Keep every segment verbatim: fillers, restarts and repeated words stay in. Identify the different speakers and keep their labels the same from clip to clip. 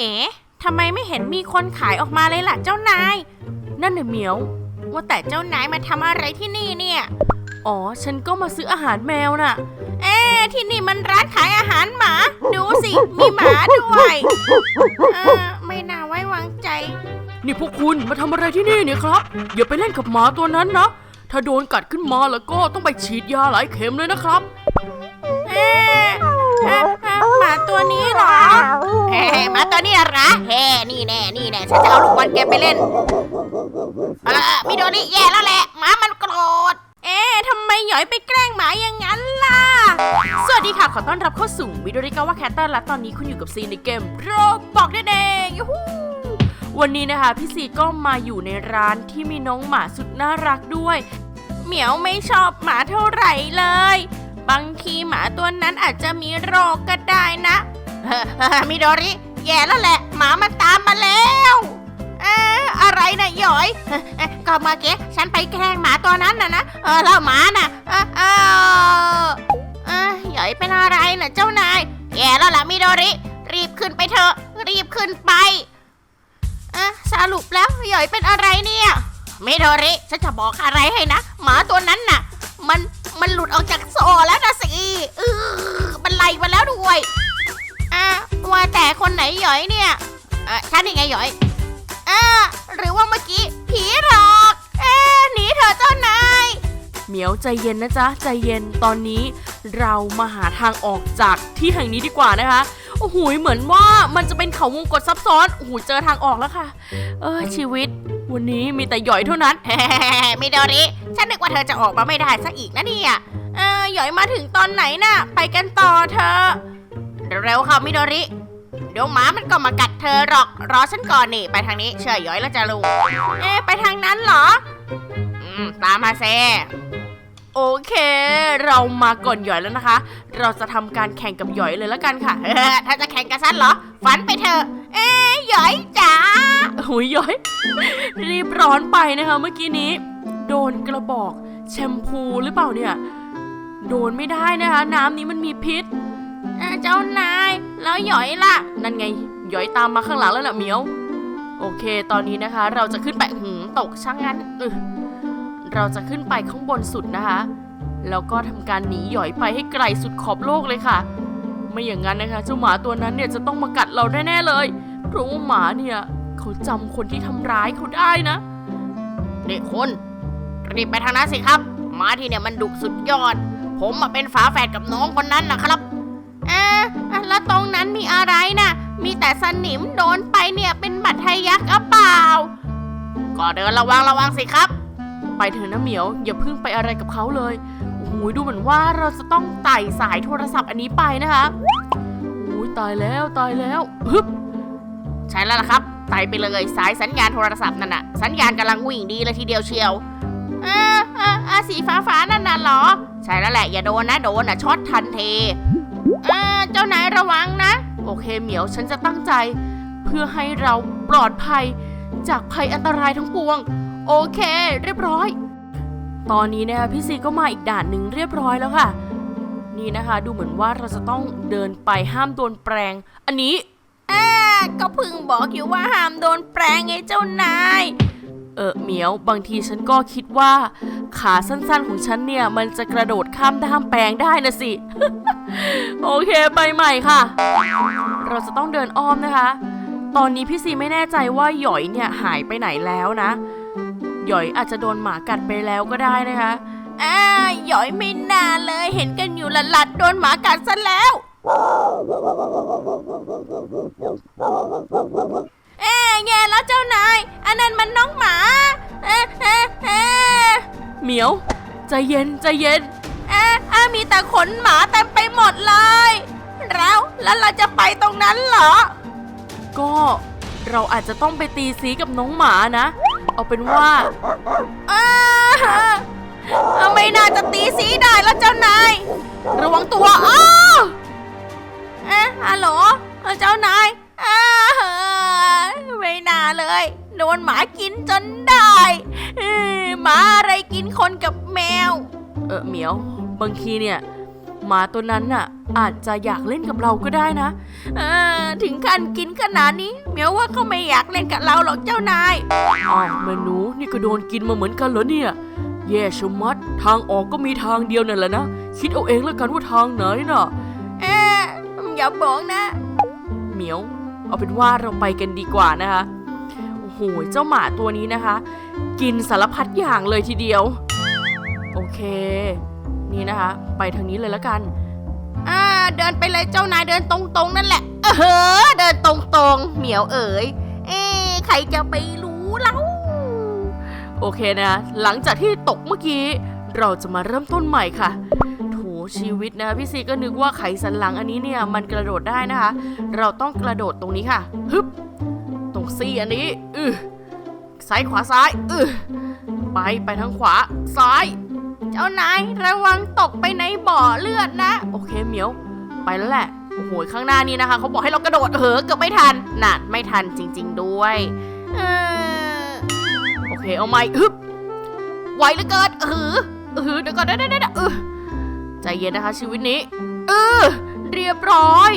Speaker 1: เอ๋ทำไมไม่เห็นมีคนขายออกมาเลยล่ะเจ้านายนั่นน่ะเหมียวว่าแต่เจ้านายมาทำอะไรที่นี่เนี่ยอ๋อฉันก็มาซื้ออาหารแมวน่ะเอ๊ะที่นี่มันร้านขายอาหารหมาดูสิมีหมาด้วยเออไม่น่าไว้วางใจนี่พวกคุณมาทำอะไรที่นี่เนี่ยครับอย่าไปเล่นกับหมาตัวนั้นนะถ้าโดนกัดขึ้นมาแล้วก็ต้องไปฉีดยาหลายเข็มเลยนะครับเอ๊ะหมาตัวนี้เหรอเฮ้หมาตัวนี้เหรอเฮ้นี่แน่นี่แน่ฉันจะเอาลูกบอลแกไปเล่นเออมิโดริแย่แล้วแหละหมามันโกรธเอ๊ะทำไมหยอยไปแกล้งหมาอย่างนั้นล่ะสวัสดีค่ะขอต้อนรับเข้าสู่มิโดริกาวะแคตเตอร์และตอนนี้คุณอยู่กับซีในเกมโรบอกนั่นเองยูฮูวันนี้นะคะพี่ซีก็มาอยู่ในร้านที่มีน้องหมาสุดน่ารักด้วยเหมียวไม่ชอบหมาเท่าไหร่เลยบางทีหมาตัวนั้นอาจจะมีโรคก็ได้นะมิโดริแย่แล้วแหละหมามันตามมาแล้วเอ๊ะอะไรนะหยอยก็เมื่อกี้ฉันไปแกล้งหมาตัวนั้นนะนะเออแล้วหมาน่ะเออเออเออหยอยเป็นอะไรนะเจ้านายแย่แล้วล่ะมิโดริรีบขึ้นไปเถอะรีบขึ้นไปเออสรุปแล้วหยอยเป็นอะไรเนี่ยมิโดริฉันจะบอกอะไรให้นะหมาตัวนั้นน่ะมันมันหลุดออกจากโซ่แล้วนะสิเออมันไล่มาแล้วด้วยอ่ะว่าแต่คนไหนหยอยเนี่ยเออฉันนี่ไงหยอยอ่ะหรือว่าเมื่อกี้ผีหลอกเอ๊ะหนีเถอะเจ้านายเหมียวใจเย็นนะจ๊ะใจเย็นตอนนี้เรามาหาทางออกจากที่แห่งนี้ดีกว่านะคะโอ้โหเหมือนว่ามันจะเป็นเขาวงกตซับซ้อนโอ้โหเจอทางออกแล้วค่ะเออชีวิตวันนี้มีแต่หยอยเท่านั้นมิโดริฉันนึกว่าเธอจะออกมาไม่ได้ซะอีกนะเนี่ยเออหยอยมาถึงตอนไหนน่ะไปกันต่อเธอเร็วๆค่ะมิโดริเดี๋ยวหมามันก็มากัดเธอหรอกรอฉันก่อนนี่ไปทางนี้เชื่อหยอยแล้วจะรู้เอ๊ะไปทางนั้นเหรออืมตามมาเซโอเคเรามาก่อนหยอยแล้วนะคะเราจะทำการแข่งกับหยอยเลยแล้วกันค่ะถ้าจะแข่งกับฉันเหรอฝันไปเถอะเอ๊ะหยอยจ๋าโอ้ยหยอยรีบร้อนไปนะคะเมื่อกี้นี้โดนกระบอกแชมพูหรือเปล่าเนี่ยโดนไม่ได้นะคะน้ำนี้มันมีพิษเจ้านายแล้วหยอยล่ะนั่นไงหยอยตามมาข้างหลังแล้วน่ะเหมียวโอเคตอนนี้นะคะเราจะขึ้นไปหืมตกช่างงั้นเราจะขึ้นไปข้างบนสุดนะคะแล้วก็ทำการหนีหยอยไปให้ไกลสุดขอบโลกเลยค่ะไม่อย่างนั้นนะคะเจ้าหมาตัวนั้นเนี่ยจะต้องมากัดเราแน่ๆเลยเพราะว่าหมาเนี่ยเขาจำคนที่ทำร้ายเขาได้นะนี่คุณรีบไปทางนั้นสิครับหมาที่เนี่ยมันดุสุดยอดผมมาเป็นฝาแฝดกับน้องคนนั้นนะครับเอ๊ะแล้วตรงนั้นมีอะไรนะมีแต่สนิมโดนไปเนี่ยเป็นบัตรทะยักหรือเปล่าก็เดินระวังระวังสิครับไปเถอะนะเหมียวอย่าเพิ่งไปอะไรกับเขาเลยโอ้โหดูเหมือนว่าเราจะต้องไต่สายโทรศัพท์อันนี้ไปนะคะโอ้ยตายแล้วตายแล้วฮึบใช่แล้วล่ะครับไต่ไปเลยสายสัญญาณโทรศัพท์นั่นน่ะสัญญาณกำลังวิ่งดีเลยทีเดียวเชียวอ่าอ่าอ่าสีฟ้าฟ้านั่นน่ะเหรอใช่แล้วแหละอย่าโดนนะโดนน่ะช็อตทันทีอ่าเจ้านายระวังนะโอเคเหมียวฉันจะตั้งใจเพื่อให้เราปลอดภัยจากภัยอันตรายทั้งปวงโอเคเรียบร้อยตอนนี้นะคะพี่ซีก็มาอีกด่านหนึ่งเรียบร้อยแล้วค่ะนี่นะคะดูเหมือนว่าเราจะต้องเดินไปห้ามโดนแปรงอันนี้อ่าก็เพิ่งบอกอยู่ว่าห้ามโดนแปรงไงเจ้านายเออเหมียวบางทีฉันก็คิดว่าขาสั้นๆของฉันเนี่ยมันจะกระโดดข้ามด้ามแปรงได้นะสิ โอเคไปใหม่ค่ะเราจะต้องเดินอ้อมนะคะตอนนี้พี่ซีไม่แน่ใจว่าหยอยเนี่ยหายไปไหนแล้วนะหยอยอาจจะโดนหมากัดไปแล้วก็ได้นะคะอ่าหยอยไม่น่าเลยเห็นกันอยู่หลัดๆโดนหมากัดซะแล้วเอ๊ะแย่แล้วเจ้านายอันนั้นมันน้องหมาเอ๊ะเอ๊ะเอ๊ะเหมียวใจเย็นใจเย็นเอ๊ะอ่ะมีแต่ขนหมาเต็มไปหมดเลยแล้วแล้วเราจะไปตรงนั้นเหรอก็เราอาจจะต้องไปตีสีกับน้องหมานะเอาเป็นว่าไม่น่าจะตีสีได้แล้วเจ้านายระวังตัวอ้าวเอ๊ะฮัลโหลเจ้านายไม่น่าเลยโดนหมากินจนได้หมาอะไรกินคนกับแมวเออเหมียวบางทีเนี่ยหมาตัวนั้นน่ะอาจจะอยากเล่นกับเราก็ได้นะเออถึงขั้นกินขนาดนี้เหมียวว่าเขาไม่อยากเล่นกับเราหรอกเจ้านายอ้าวแม่หนูนี่ก็โดนกินมาเหมือนกันเหรอเนี่ยแย่ชะมัดทางออกก็มีทางเดียวนั่นแหละนะคิดเอาเองแล้วกันว่าทางไหนน่ะเอ๊ะอย่าบอกนะเหมียวเอาเป็นว่าเราไปกันดีกว่านะคะโอ้โหเจ้าหมาตัวนี้นะคะกินสารพัดอย่างเลยทีเดียวโอเคนี่นะคะไปทางนี้เลยแล้วกันอ่าเดินไปเลยเจ้านายเดินตรงๆนั่นแหละเออเดินตรงๆเหมียวเอ๋ยเอ๊ะใครจะไปรู้เล่าโอเคนะหลังจากที่ตกเมื่อกี้เราจะมาเริ่มต้นใหม่ค่ะโถชีวิตนะพี่ซีก็นึกว่าไขสันหลังอันนี้เนี่ยมันกระโดดได้นะคะเราต้องกระโดดตรงนี้ค่ะฮึบตรงซี่อันนี้อือซ้ายขวาซ้ายอือไปไปทางขวาซ้ายเจ้านายระวังตกไปในบ่อเลือดนะโอเคเหมียวไปแล้วแหละโอ้โหข้างหน้านี้นะคะเขาบอกให้เรากระโดดเออเกือบไม่ทันน่ะไม่ทันจริงๆด้วยเออโอเคเอาใหม่ฮึบไวเหลือเกินเออเออเดี๋ยวก่อนเดี๋ยวเดี๋ยวเออใจเย็นนะคะชีวิตนี้เออเรียบร้อย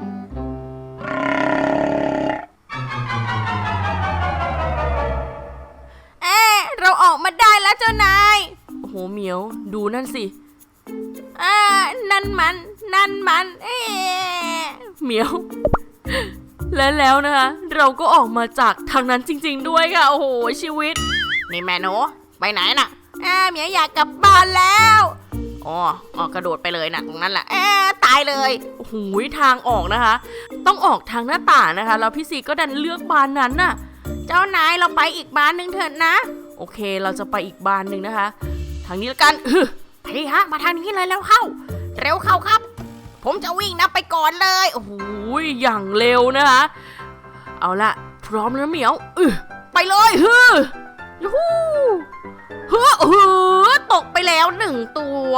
Speaker 1: เอ๊ะเราออกมาได้แล้วเจ้านายโอ้โหเหมียวดูนั่นสิอ่านั่นมันนั่นมันเอ๊ะเหมียวและแล้วนะคะเราก็ออกมาจากทางนั้นจริงๆด้วยค่ะโอ้โหชีวิตนี่แม่หนูไปไหนน่ะอ่าเหมียวอยากกลับบ้านแล้วอ๋ออ๋อกระโดดไปเลยนะตรงนั้นแหละเอ๊ะตายเลยโอ้โหทางออกนะคะต้องออกทางหน้าต่างนะคะแล้วพี่ซีก็ดันเลือกบานนั้นน่ะเจ้านายเราไปอีกบานหนึ่งเถิดนะโอเคเราจะไปอีกบานหนึ่งนะคะทางนี้แล้วกันไปดิฮะมาทางนี้เลยแล้วเข้าเร็วเข้าครับผมจะวิ่งนะไปก่อนเลยโอ้โหอย่างเร็วนะคะเอาละพร้อมแล้วเหมียวเออไปเลยเฮ้อยูฮูเฮ้อเฮ้อตกไปแล้วหนึ่งตัว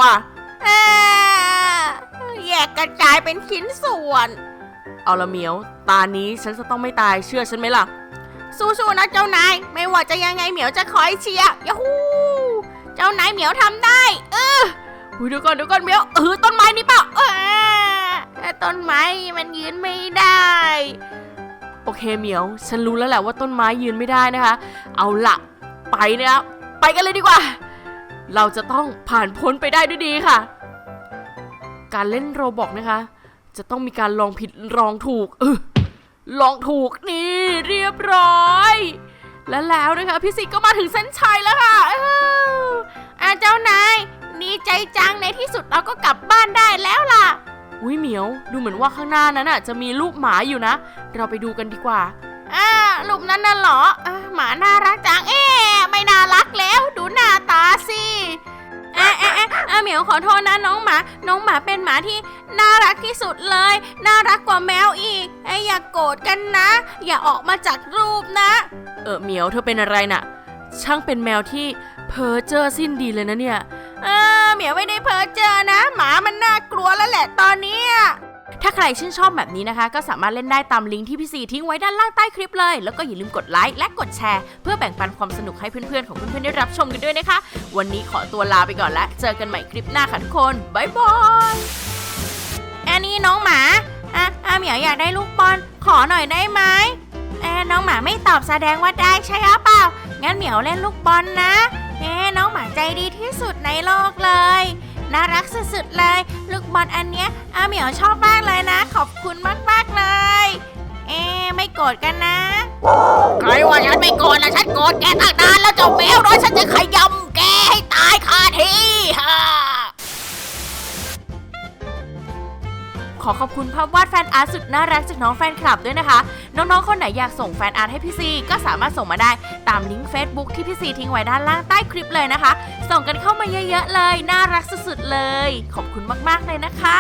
Speaker 1: แยกกระจายเป็นชิ้นส่วนเอาละเหมียวตานี้ฉันจะต้องไม่ตายเชื่อฉันไหมล่ะสู้ๆนะเจ้านายไม่ว่าจะยังไงเหมียวจะคอยเชียร์ยูฮูเจ้านายเหมียวทำได้เออเดี๋ยวก่อนเดี๋ยวก่อนเหมียวเออต้นไม้นี่เปล่าเออต้นไม้มันยืนไม่ได้โอเคเหมียวฉันรู้แล้วแหละว่าต้นไม้ยืนไม่ได้นะคะเอาละไปนะครับไปกันเลยดีกว่าเราจะต้องผ่านพ้นไปได้ด้วยดีค่ะการเล่นโรบล็อกนะคะจะต้องมีการลองผิดลองถูกเออลองถูกนี่เรียบร้อยและแล้วนะคะพี่สิก็มาถึงเส้นชัยแล้วค่ะเอออ่ะเจ้านายดีใจจังในที่สุดเราก็กลับบ้านได้แล้วล่ะอุ้ยเหมียวดูเหมือนว่าข้างหน้านั้นน่ะจะมีรูปหมาอยู่นะเราไปดูกันดีกว่าอ่ารูปนั้นน่ะเหรออ่าหมาน่ารักจังเอ๊ะไม่น่ารักแล้วดูหน้าตาสิเอ๊ะเอ๊ะเอ๊ะอ่ะเหมียวขอโทษนะน้องหมาน้องหมาเป็นหมาที่น่ารักที่สุดเลยน่ารักกว่าแมวอีกไอ้อย่าโกรธกันนะอย่าออกมาจากรูปนะเออเหมียวเธอเป็นอะไรน่ะช่างเป็นแมวที่เพ้อเจ้อสิ้นดีเลยนะเนี่ยเออเหมียวไม่ได้เพ้อเจ้อนะหมามันน่ากลัวแล้วแหละตอนนี้ถ้าใครชื่นชอบแบบนี้นะคะก็สามารถเล่นได้ตามลิงก์ที่พี่ซีทิ้งไว้ด้านล่างใต้คลิปเลยแล้วก็อย่าลืมกดไลค์และกดแชร์เพื่อแบ่งปันความสนุกให้เพื่อนๆของเพื่อนๆได้รับชมกันด้วยนะคะวันนี้ขอตัวลาไปก่อนแล้วเจอกันใหม่คลิปหน้าค่ะทุกคนบ๊ายบายอันนี้น้องหมาอ่ะอ่ะเหมียวอยากได้ลูกบอลขอหน่อยได้ไหมเอ๊ะน้องหมาไม่ตอบแสดงว่าได้ใช่หรือเปล่างั้นเหมียวเล่นลูกบอลนะเอ๊ะน้องหมาใจดีที่สุดในโลกเลยน่ารักสุดๆเลยลูกบอลอันเนี้ยอาเหมียวชอบมากเลยนะขอบคุณมากๆเลยเอ๊ะไม่โกรธกันนะใครว่าฉันไม่โกรธนะฉันโกรธแกตั้งนานแล้วเจ้าแมวน้อยฉันจะขยำแกให้ตายคาที่ฮ่าขอขอบคุณภาพวาดแฟนอาร์ตสุดน่ารักจากน้องแฟนคลับด้วยนะคะน้องๆคนไหนอยากส่งแฟนอาร์ตให้พี่ซีก็สามารถส่งมาได้ตามลิงก์ Facebook ที่พี่ซีทิ้งไว้ด้านล่างใต้คลิปเลยนะคะส่งกันเข้ามาเยอะๆเลยน่ารักสุดๆเลยขอบคุณมากๆเลยนะคะ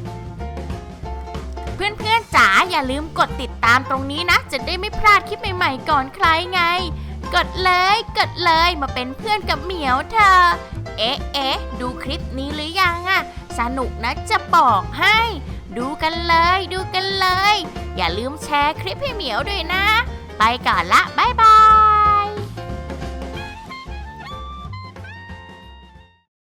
Speaker 1: เพื่อนๆจ๋าอย่าลืมกดติดตามตรงนี้นะจะได้ไม่พลาดคลิปใหม่ๆก่อนใครไงกดเลยกดเลยมาเป็นเพื่อนกับเหมียวเธอเอ๊ะเอ๊ะดูคลิปนี้หรือยังอะสนุกนะจะบอกให้ดูกันเลยดูกันเลยอย่าลืมแชร์คลิปให้เหมียวด้วยนะไปก่อนละบ๊ายบาย